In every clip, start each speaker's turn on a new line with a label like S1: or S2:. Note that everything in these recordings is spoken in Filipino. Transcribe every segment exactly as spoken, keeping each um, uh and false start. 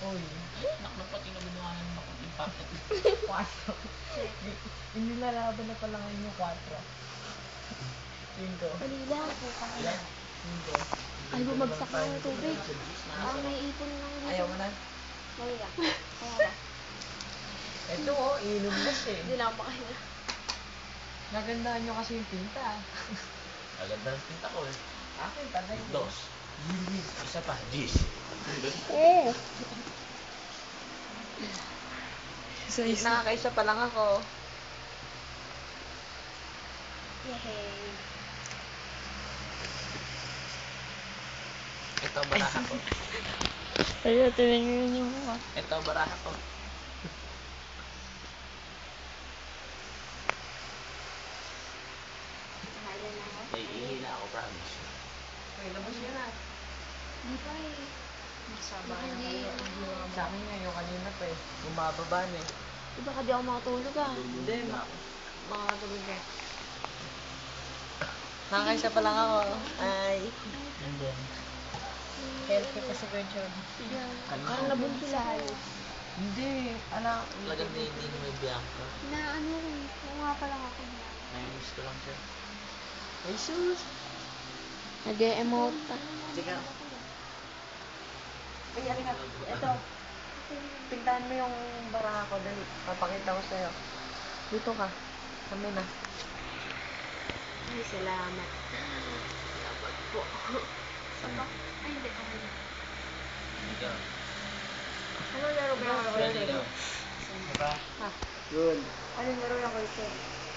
S1: Uy.
S2: Nakapati na binunganan ng bakit yung packet.
S1: Quatro. Inilalaban na pala ngayon yung quatro. Cinco.
S3: Alila.
S2: Ilan?
S1: Cinco.
S3: Ay, bumagsak na yung tubig. Parang may ipon lang dito.
S1: Ayaw mo na?
S3: Dali lang. Kaya na.
S1: Ito oh, inom na siya eh.
S3: Hindi na ako makahinga.
S1: Nagandahan nyo kasi yung pinta.
S2: Aganda ng pinta ko eh.
S1: Akin talaga.
S2: Dos. Isa pa. Gis.
S3: Eh.
S1: Isa-isa. Nakakaisa pa lang ako.
S3: Yehey.
S2: Ito baraha ko.
S3: Ayun, tuloy nyo yun yung mukha.
S2: Ito baraha ko.
S3: Nakailan na ako?
S2: May ihi na ako, promise.
S1: Uy, labas yun ah.
S3: Hindi pa eh.
S1: Masama
S3: Baka
S1: na
S3: hindi.
S1: kayo. Sa akin nga yung kanina pa eh. Bumababa na eh.
S3: Di baka di ako makatulog ah.
S1: Hindi, ma makakatulog ka. Nakakaisa pa lang ako. Ay.
S2: And then,
S1: Healthy pa si Gertrude.
S3: Parang nabunso lahat.
S1: Hindi. Ala.
S2: talagang hindi ni may Bianca.
S3: Na ano eh. Kumuha pa lang ako niya.
S2: Nainis ko lang siya.
S1: Ay, sus.
S3: Nag-e-emote pa.
S1: Sige. Ay, ano nga. Ito. Tignan mo yung baraha ko. Dali. Papakita ko sa'yo. Dito ka. Kami na.
S3: Ay, salamat.
S2: Dapat
S3: Po. Saba? Ay, hindi. Okay na.
S2: Hindi ka.
S3: Ano laro ba yung
S2: Pwede ka. Diba?
S3: Ha?
S1: Good.
S3: Ano laro yung kulse?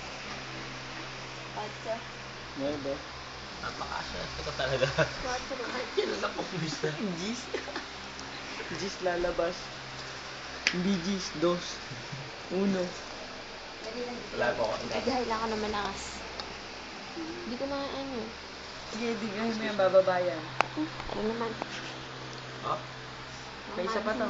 S3: Patsa.
S1: Nueve.
S2: Napakaswerte ko talaga.
S3: Patsa.
S2: Kahit kailan ako umisa.
S1: Gis. Gis lalabas. Hindi gis. Dos. Uno.
S2: Wala po ako.
S3: Ay, dahil lang ako na malakas. Hindi ko na ano.
S1: Sige, di ka mo yung bababayan.
S3: Hmm, ano naman?
S2: Oh?
S1: May isa pa to.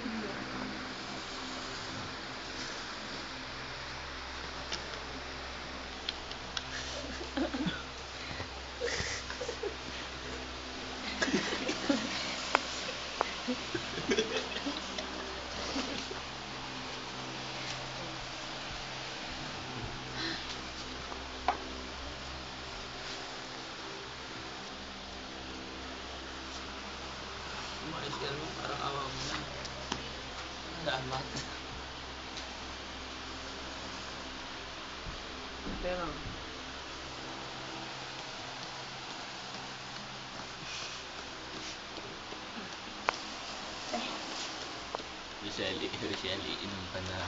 S2: Umayos ka naman. Parang awa mo na. Damat.
S1: Pero,
S2: Roseli, Roseli, inom ka na.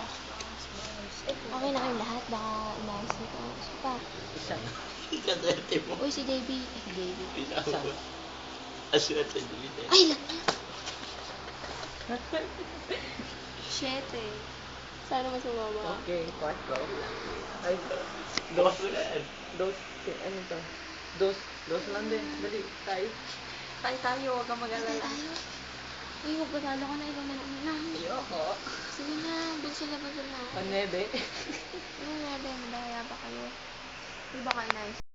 S3: Okay na kayong lahat. Baka umayos nito. Isa pa.
S1: isa.
S2: Ikaswerte mo.
S3: Uy, si Davey. Eh, si Davey.
S2: Isa mo. Aswerte mo dito.
S3: Ay, lang Siyete. Sana mas sumama.
S1: Okay, quatro. Ay,
S2: Dos.
S1: dos. Dos. Ano to? Dos. Dos lang din. Dali, tayo. Tayo tayo, huwag kang
S3: Ay,
S1: mag-alala.
S3: tayo. Uy, huwag patalo ka na. Ikaw na lang na.
S1: Ayoko.
S3: Sige na. Bulsa na, bulsa na.
S1: Panebe.
S3: Ano nga din? Madaya pa kayo. Di ba kayo nice?